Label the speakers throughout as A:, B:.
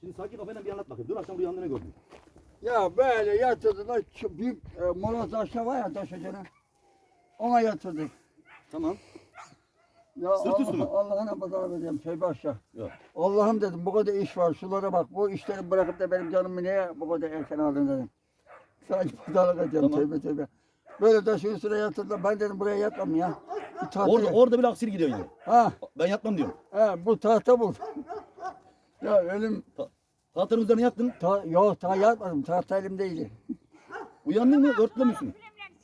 A: Şimdi sakin kafayla bir anlat bakayım. Dün akşam rüyanda ne gördün?
B: Ya böyle yatırdılar. Şu büyük moloz aşağı var ya taş ocağına. Ona yatırdık.
A: Tamam.
B: Ya
A: Sırt üstü mü?
B: Allah'ına pazar vereceğim tövbe aşağı.
A: Yok.
B: Allah'ım dedim bu kadar iş var şulara bak. Bu işleri bırakıp da benim canımı niye bu kadar erken aldın dedim. Sadece pazarlık edeceğim
A: Tamam.
B: tövbe tövbe. Böyle taşın üstüne yatırdılar. Ben dedim buraya yatmam ya. Bir tahta
A: Orada bile aksini gidiyor yani.
B: Ha,
A: Ben yatmam diyorum.
B: bu tahta bu. Ya ölüm.
A: Tahtanın üzerine yattın.
B: Yok yatmadım. Tahta elimdeydi.
A: Uyandın mı? Örtüle misin?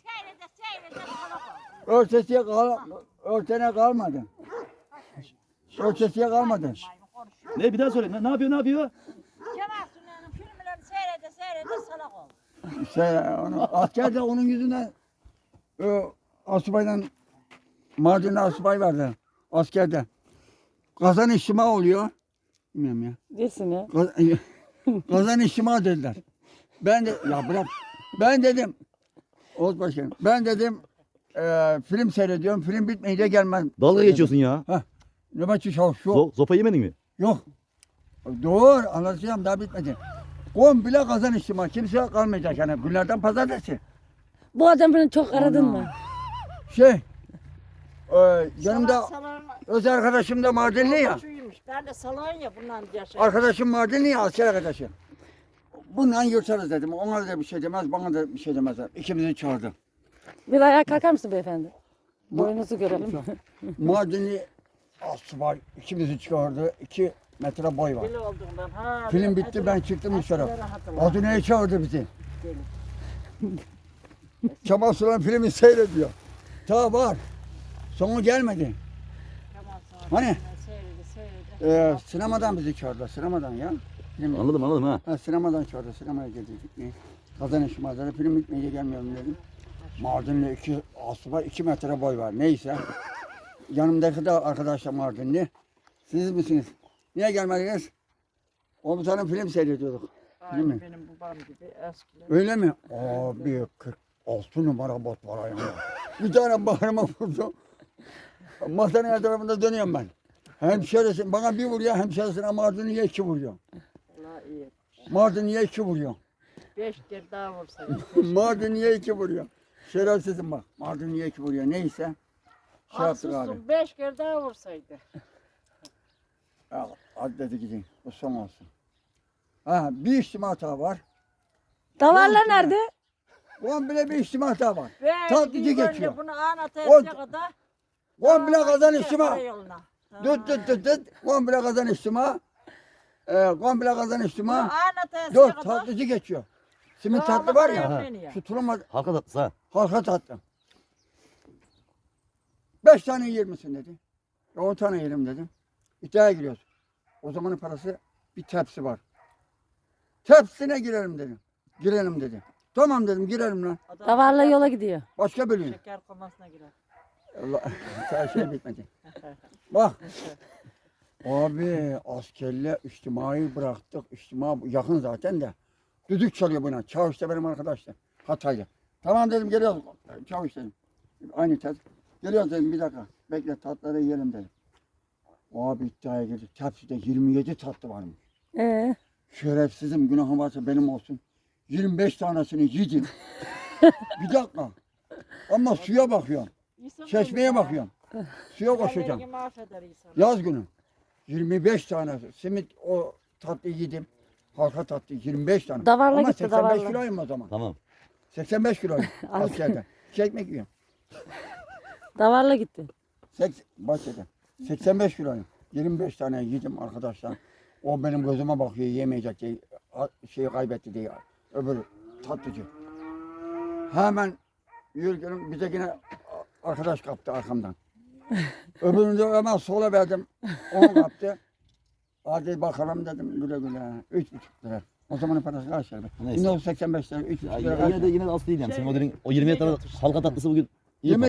B: Örtene kalmadı. Örtesiye kalmadı.
A: Ne bir daha söyle. Ne yapıyor? Ne yapıyor?
C: Kemal Sunay'ın filmlerini seyrede salak oldu.
B: Askerde onun yüzünden asubayla Mardin'de asubay vardı askerde. Kazan içtima oluyor. Bilmiyorum ya.
D: Desin ya.
B: Kazan içtima dediler. Ben de ya bırak. Ben dedim Oğuz Başkanım. Ben dedim film seyrediyorum. Film bitmeyince gelmem.
A: Dalga geçiyorsun ya.
B: Nöbetçi şu.
A: Sopa yemedin mi?
B: Yok. Doğru anlatacağım daha bitmedi. Komple kazan içtima. Kimse kalmayacak yani. Günlerden pazartesi.
D: Bu adam beni çok aradın mı?
B: Yanımda öz arkadaşım da Mardinli ya.
C: Ben de salağın ya bundan yaşadım.
B: Arkadaşım Mardinli ya asker arkadaşım. Bundan yırtarız dedim. Ona da bir şey demez, bana da bir şey demezler. İkimizi çağırdı.
D: Bir ayağa kalkar mısın beyefendi? Boyunuzu görelim.
B: Mardinli asubay ikimizi çağırdı. 2 metre boy var.
C: Deli olduğundan. Ha,
B: Film bitti ben çıktım dışarı. Adune'ye çağırdı bizi. Kemal Sunal filmi seyrediyor. Ta var. Sonu gelmedi. Hani? Sinemadan bizi çağırdılar. Sinemadan ya. Film
A: Anladım ha.
B: sinemadan çağırdı. Sinemaya girdik. Kazan işimazları film bitmeyince gelmiyorum dedim. Mardinli 2 asubay 2 metre boy var. Neyse. Yanımdaki de arkadaşlar Mardinli. Siz misiniz? Niye gelmediniz? Komutanın film seyrediyorduk. Değil mi?
C: Benim babam gibi eskiler.
B: Öyle mi? Abi 46 numara bot var ayağımda. Bir tane bağrıma vurdu. Masanın her tarafında dönüyorum ben. Hemşerisi bana bir vuruyor, hemşerisine Mardinli'ye 2 vuruyor.
C: Allah iyi.
B: Mardinli'ye 2 vuruyor.
C: 5 kere daha vursaydı.
B: Mardinli'ye 2 vuruyor. Şerefsizim bak. Mardinli'ye 2 vuruyor. Neyse. Şey yaptık abi.
C: Haksızsın 5 kere daha vursaydı.
B: Al, hadi dedi gidin. Bu son olsun. Bir içtima hata var.
D: Davarlar nerede?
B: Komple bir içtima hata var.
C: Ve
B: Tatlıcı
C: gideyim önce
B: geçiyor.
C: Bunu anlatacak kadar.
B: Komple kazan içtima.
C: Yoluna.
B: Tut. Komple kazan içtima. Komple kazan içtima.
C: Anlatacak
B: Dur
C: kadar.
B: tatlıcı geçiyor. Simit tatlı var ya.
C: ya.
B: Şu tulumaz
A: Halka tatlısı ha.
B: halka tatlı. 5 tane yer misin dedi. 10 tane yerim dedim. İddiaya giriyoruz. O zamanın parası bir tepsi var. Tepsine girelim dedim. Girelim dedi. Tamam dedim girelim lan.
D: Davarla yola gidiyor.
B: Başka bölüm.
C: Şeker komasına girer.
B: Allah her şey bitmedi. Bak. Abi askerle içtimai bıraktık. İçtima yakın zaten de. Düdük çalıyor buna. Çavuş da benim arkadaşlar. Hataylı. Tamam dedim geliyoruz. Çavuş dedim. Aynı tat. Geliyoruz dedim bir dakika. Bekle tatları yiyelim dedim. Abi iddiaya girdik. Tepside 27 tatlı varmış. Şerefsizim günahım varsa benim olsun. 25 tanesini yedim. Bir dakika. Ama suya bakıyorum. Çeşmeye bakıyorum. Suya koşacağım. Yaz günü. 25 tane simit o tatlı yedim. Halka tatlı 25 tane.
D: Davarla
B: Ama
D: gitti,
B: 85
D: davarla.
B: kiloyum o zaman.
A: Tamam.
B: 85 kiloyum askerden. Çekmek yiyorum.
D: Davarla gitti.
B: Bahçede. 85 kiloyum. 25 tane yedim arkadaşlar. O benim gözüme bakıyor yemeyecek diye şeyi kaybetti diye. Öbür tatlıcı. Hemen yürürken bize yine arkadaş kaptı arkamdan. Öbürünü de hemen sola verdim. Onu kaptı. Hadi bakalım dedim güle güle. 3,5 lira. O zamanın parası kaç lira?
A: Neyse.
B: 1985 lira, 3,5 lira.
A: Yine de az değil yani. Senin o 20 tane halka tatlısı bugün iyi.